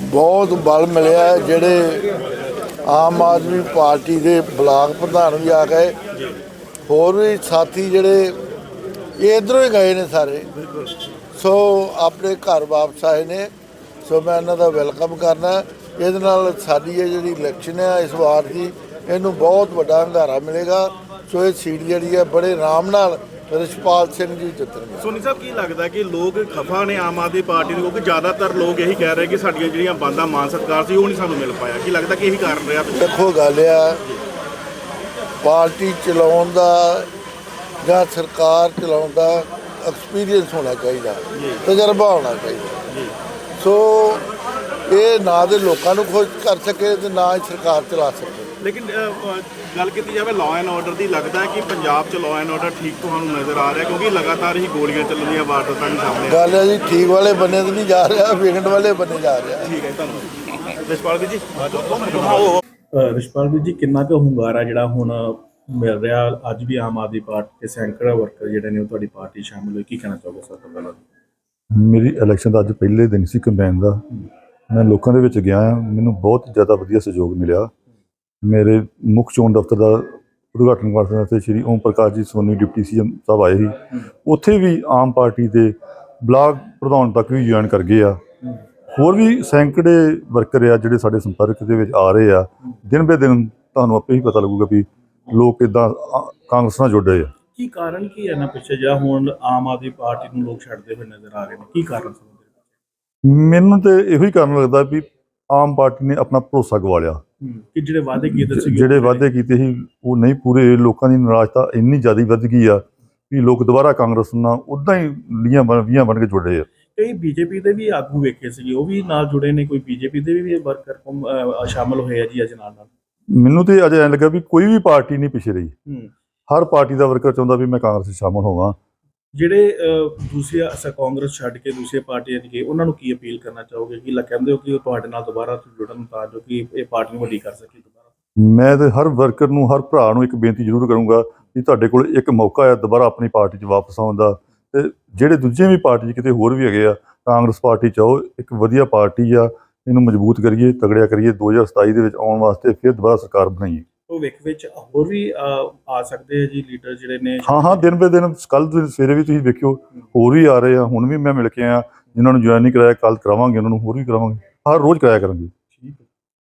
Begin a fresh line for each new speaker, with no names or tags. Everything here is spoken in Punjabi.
बहुत बल मिले जेडे आम आदमी पार्टी के ब्लाक प्रधान भी आ गए, होर भी साथी जेडे इधरों ही गए ने सारे, सो अपने घर वापस आए ने। सो मैं इन्हों का वैलकम करना। ये साडी जी इलैक्शन है इस बार की, इनू बहुत बड़ा हंगारा मिलेगा। सो ये सीट जी है बड़े आराम नाल रिशपाल सिंह जी जितने।
सोनी साहब की लगता है कि लोग खफा ने आम आदमी पार्टी को, क्योंकि ज़्यादातर लोग यही कह रहे हैं कि साडियां जिहड़ियां बंदा मान सत्कार सी वो नहीं सानू मिल पाया, कि लगता कि यही कारण रहा।
देखो गल आ पार्टी चलाउण दा जां सरकार चलाउण दा एक्सपीरियंस होना चाहिए, तजर्बा होना चाहिए। सो ये ना तो लोगों को खुश कर सके तो ना ही सरकार चला सके।
लेकिन गल की जाए लॉ एंड ऑर्डर की, लगता है कि पंजाब च लॉ एंड ऑर्डर ठीक तुहानू नज़र आ रहा है, क्योंकि लगातार ही गोलियां चलन दी वारदातां भी सामने
गल है जी, ठीक वाले बने तो नहीं जा रहा, विगड़ वाले बने जा रहा।
ठीक है, धन्यवाद। रिशपाल जी
ਰਿਸ਼ਪਾਲ ਜੀ ਕਿੰਨਾ ਕੁ ਹੁੰਗਾਰਾ ਜਿਹੜਾ ਹੁਣ ਮਿਲ ਰਿਹਾ ਅੱਜ ਵੀ ਆਮ ਆਦਮੀ ਪਾਰਟੀ ਦੇ ਸੈਂਕੜਾ ਵਰਕਰ ਜਿਹੜੇ ਨੇ ਉਹ ਤੁਹਾਡੀ ਪਾਰਟੀ ਸ਼ਾਮਲ ਹੋਏ, ਕੀ ਕਹਿਣਾ ਚਾਹੋਗੇ ਸਭ ਤੋਂ ਪਹਿਲਾਂ?
ਮੇਰੀ ਇਲੈਕਸ਼ਨ ਦਾ ਅੱਜ ਪਹਿਲੇ ਦਿਨ ਸੀ ਕੰਪੇਨ ਦਾ। ਮੈਂ ਲੋਕਾਂ ਦੇ ਵਿੱਚ ਗਿਆ, ਮੈਨੂੰ ਬਹੁਤ ਜ਼ਿਆਦਾ ਵਧੀਆ ਸਹਿਯੋਗ ਮਿਲਿਆ। ਮੇਰੇ ਮੁੱਖ ਚੋਣ ਦਫ਼ਤਰ ਦਾ ਉਦਘਾਟਨ ਕਰਨ ਵਾਸਤੇ ਸ਼੍ਰੀ ਓਮ ਪ੍ਰਕਾਸ਼ ਜੀ ਸੋਨੀ ਡਿਪਟੀ ਸੀਐਮ ਸਾਹਿਬ ਆਏ ਸੀ। ਉੱਥੇ ਵੀ ਆਮ ਪਾਰਟੀ ਦੇ ਬਲਾਕ ਪ੍ਰਧਾਨ ਤੱਕ ਵੀ ਜੁਆਇਨ ਕਰ ਗਏ ਆ। ਹੋਰ ਵੀ ਸੈਂਕੜੇ ਵਰਕਰ ਆ ਜਿਹੜੇ ਸਾਡੇ ਸੰਪਰਕ ਦੇ ਵਿੱਚ ਆ ਰਹੇ ਆ। ਦਿਨ ਬੇ ਦਿਨ ਤੁਹਾਨੂੰ ਆਪੇ ਹੀ ਪਤਾ ਲੱਗੂਗਾ ਵੀ ਲੋਕ ਕਿੱਦਾਂ ਕਾਂਗਰਸ ਨਾਲ ਜੁੜ ਰਹੇ ਆ।
ਕੀ ਕਾਰਨ ਕੀ ਹੈ ਨਾ ਪਿੱਛੇ ਜਿਹੜਾ ਹੁਣ ਆਮ ਆਦਮੀ ਪਾਰਟੀ ਨੂੰ ਲੋਕ ਛੱਡਦੇ ਹੋਏ ਨਜ਼ਰ ਆ ਰਹੇ ਨੇ, ਕੀ ਕਾਰਨ ਸਮਝਦੇ?
ਮੈਨੂੰ ਤਾਂ ਇਹੋ ਹੀ ਕਾਰਨ ਲੱਗਦਾ ਵੀ ਆਮ ਪਾਰਟੀ ਨੇ ਆਪਣਾ ਭਰੋਸਾ ਗਵਾ ਲਿਆ।
ਕਿ ਜਿਹੜੇ ਵਾਅਦੇ ਕੀਤੇ ਸੀ,
ਜਿਹੜੇ ਵਾਅਦੇ ਕੀਤੇ ਸੀ ਉਹ ਨਹੀਂ ਪੂਰੇ। ਲੋਕਾਂ ਦੀ ਨਾਰਾਜ਼ਤਾ ਇੰਨੀ ਜ਼ਿਆਦਾ ਵੱਧ ਗਈ ਆ ਵੀ ਲੋਕ ਦੁਬਾਰਾ ਕਾਂਗਰਸ ਨਾਲ ਉੱਦਾਂ ਹੀ ਵੀਹਾਂ ਬਣ ਕੇ ਜੁੜ ਰਹੇ ਆ।
ਕਈ ਬੀਜੇਪੀ ਦੇ ਵੀ ਆਗੂ ਵੇਖੇ ਸੀਗੇ, ਉਹ ਵੀ ਨਾਲ ਜੁੜੇ ਨੇ, ਕੋਈ ਬੀਜੇਪੀ ਦੇ ਵੀ ਵਰਕਰ ਸ਼ਾਮਲ ਹੋਏ ਆ ਜੀ ਅੱਜ ਨਾਲ।
ਮੈਨੂੰ ਤੇ ਅਜੇ ਐਂ ਲੱਗਾ ਵੀ ਕੋਈ ਵੀ ਪਾਰਟੀ ਨਹੀਂ ਪਿੱਛੇ ਰਹੀ। ਹਰ ਪਾਰਟੀ ਦਾ ਵਰਕਰ ਚਾਹੁੰਦਾ ਵੀ ਮੈਂ ਕਾਂਗਰਸ 'ਚ ਸ਼ਾਮਲ ਹੋਵਾਂ।
ਜਿਹੜੇ ਦੂਸਰੇ ਕਾਂਗਰਸ ਛੱਡ ਕੇ ਦੂਸਰੇ ਪਾਰਟੀਆਂ 'ਚ ਗਏ, ਉਹਨਾਂ ਨੂੰ ਕੀ ਅਪੀਲ ਕਰਨਾ ਚਾਹੋਗੇ? ਕਿ ਕਹਿੰਦੇ ਹੋ ਕਿ ਉਹ ਤੁਹਾਡੇ ਨਾਲ ਦੁਬਾਰਾ ਜੁੜਨ ਤਾਂ ਜੋ ਕਿ ਇਹ ਪਾਰਟੀ ਨੂੰ ਵੱਡੀ ਕਰ ਸਕੇ ਦੁਬਾਰਾ।
ਮੈਂ ਤੇ ਹਰ ਵਰਕਰ ਨੂੰ, ਹਰ ਭਰਾ ਨੂੰ ਇੱਕ ਬੇਨਤੀ ਜ਼ਰੂਰ ਕਰੂੰਗਾ ਕਿ ਤੁਹਾਡੇ ਕੋਲ ਇੱਕ ਮੌਕਾ ਹੈ ਦੁਬਾਰਾ ਆਪਣੀ ਪਾਰਟੀ 'ਚ ਵਾਪਸ ਆਉਣ ਦਾ। ਤੇ ਜਿਹੜੇ ਦੂਜੇ ਵੀ ਪਾਰਟੀ 'ਚ ਕਿਤੇ ਹੋਰ ਵੀ ਹੈਗੇ ਆ, ਕਾਂਗਰਸ ਪਾਰਟੀ 'ਚ ਆਓ। ਇੱਕ ਵਧੀਆ ਪਾਰਟੀ ਆ, ਇਹਨੂੰ ਮਜ਼ਬੂਤ ਕਰੀਏ, ਤਗੜਿਆ ਕਰੀਏ। 2027 ਦੇ ਵਿੱਚ ਆਉਣ ਵਾਸਤੇ ਫਿਰ ਦੁਬਾਰਾ ਸਰਕਾਰ ਬਣਾਈਏ।
ਭਵਿੱਖ ਵਿੱਚ ਹੋਰ ਵੀ ਆ ਸਕਦੇ ਆ ਜੀ ਲੀਡਰ ਜਿਹੜੇ ਨੇ?
ਹਾਂ, ਦਿਨ ਬੇ ਦਿਨ। ਕੱਲ੍ਹ ਸਵੇਰੇ ਵੀ ਤੁਸੀਂ ਵੇਖਿਓ ਹੋਰ ਵੀ ਆ ਰਹੇ ਆ। ਹੁਣ ਵੀ ਮੈਂ ਮਿਲ ਕੇ ਆਇਆ, ਜਿਨ੍ਹਾਂ ਨੂੰ ਜੁਆਇਨ ਨਹੀਂ ਕਰਾਇਆ ਕੱਲ੍ਹ ਕਰਾਵਾਂਗੇ, ਉਹਨਾਂ ਨੂੰ ਹੋਰ ਵੀ ਕਰਾਵਾਂਗੇ। ਹਰ ਰੋਜ਼ ਕਰਾਇਆ ਕਰਾਂਗੇ।